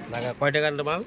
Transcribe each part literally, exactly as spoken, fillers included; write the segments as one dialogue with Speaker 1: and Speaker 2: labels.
Speaker 1: ঢাকা কয় টাকার মাল?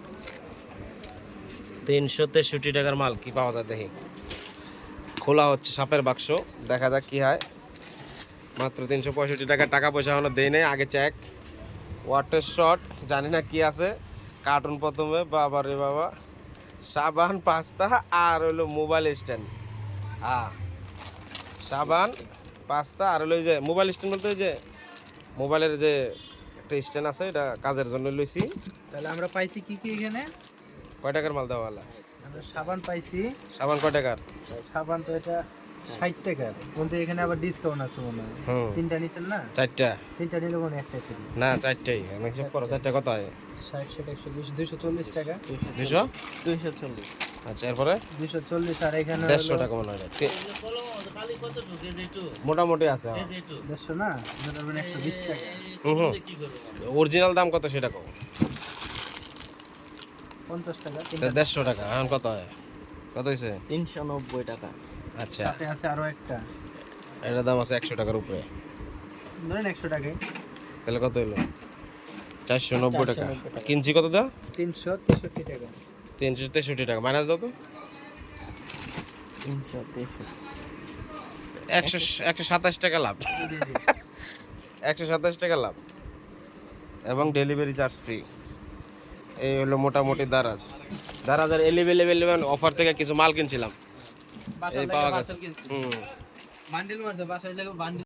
Speaker 1: তিনশো তেষট্টি টাকার মাল কি পাওয়া যায় দেখি। খোলা হচ্ছে সাপের বাক্স, দেখা যাক কি হয়। মাত্র তিনশো পঁয়ষট্টি টাকা, টাকা পয়সা এখনো দেই নেই, আগে চেক। ওয়াটার শট জানি না কি আছে, কার্টুন প্রথমে, বাবা রে বাবা, সাবান পাস্তা আর হলো মোবাইল স্ট্যান্ড। হ্যাঁ সাবান পাস্তা আর হলো ওই যে মোবাইল স্ট্যান্ড বলতে ওই যে মোবাইলের যে একটা স্ট্যান্ড আছে, এটা কাজের জন্য লইছি।
Speaker 2: তাহলে আমরা পাইছি কি কি এখানে?
Speaker 1: কয় টাকার মাল দেওয়া?
Speaker 2: আমরা সাবান পাইছি।
Speaker 1: সাবান কয় টাকার?
Speaker 2: সাবান তো এটা ষাট টাকার, কিন্তু এখানে আবার ডিসকাউন্ট আছে মনে হয়।
Speaker 1: হুম
Speaker 2: তিনটা নিছেন না?
Speaker 1: চারটা
Speaker 2: তিনটা নিলে মনে হয় একটা ফ্রি।
Speaker 1: না চারটাই, আমি হিসাব করো চারটা কত হয়?
Speaker 2: ষাট ষাট একশো দুশো দুইশো চল্লিশ টাকা।
Speaker 1: দুশো
Speaker 2: দুইশো চল্লিশ।
Speaker 1: আচ্ছা এরপরে
Speaker 2: দুইশো চল্লিশ আর এখানে
Speaker 1: দেড়শো টাকা মনে হয়। মোটামুটি আছে।
Speaker 2: দেড়শো না, একশো বিশ টাকা।
Speaker 1: হুম অরিজিনাল দাম কত সেটা কম?
Speaker 2: পঞ্চাশ টাকা।
Speaker 1: দেড়শো টাকা এখন কত হয়? কত হয়েছে?
Speaker 2: তিনশো নব্বই টাকা।
Speaker 1: আচ্ছা
Speaker 2: সাথে আছে আরো একটা,
Speaker 1: এটার দাম আছে একশো টাকার উপরে,
Speaker 2: ধরেন একশো টাকায়।
Speaker 1: তাহলে কত হলো? চারশো নব্বই টাকা। কিনছি কত দা?
Speaker 2: তিনশো তেষট্টি টাকা।
Speaker 1: তিনশো তেষট্টি টাকা মাইনাস দাও তো।
Speaker 2: তিনশো তেষট্টি,
Speaker 1: একশো একশো সাতাশ টাকা লাভ। একশো সাতাশ টাকা লাভ এবং ডেলিভারি চার্জ ফ্রি। এই হলো মোটামুটি দারাজ। দারাজের এলিভেল এলিভেন অফার থেকে কিছু মাল কিনছিলাম, এই পাওয়া গেছে। হুম
Speaker 2: বান্ডিল মারছে বাসায় লাগে বান্ডিল।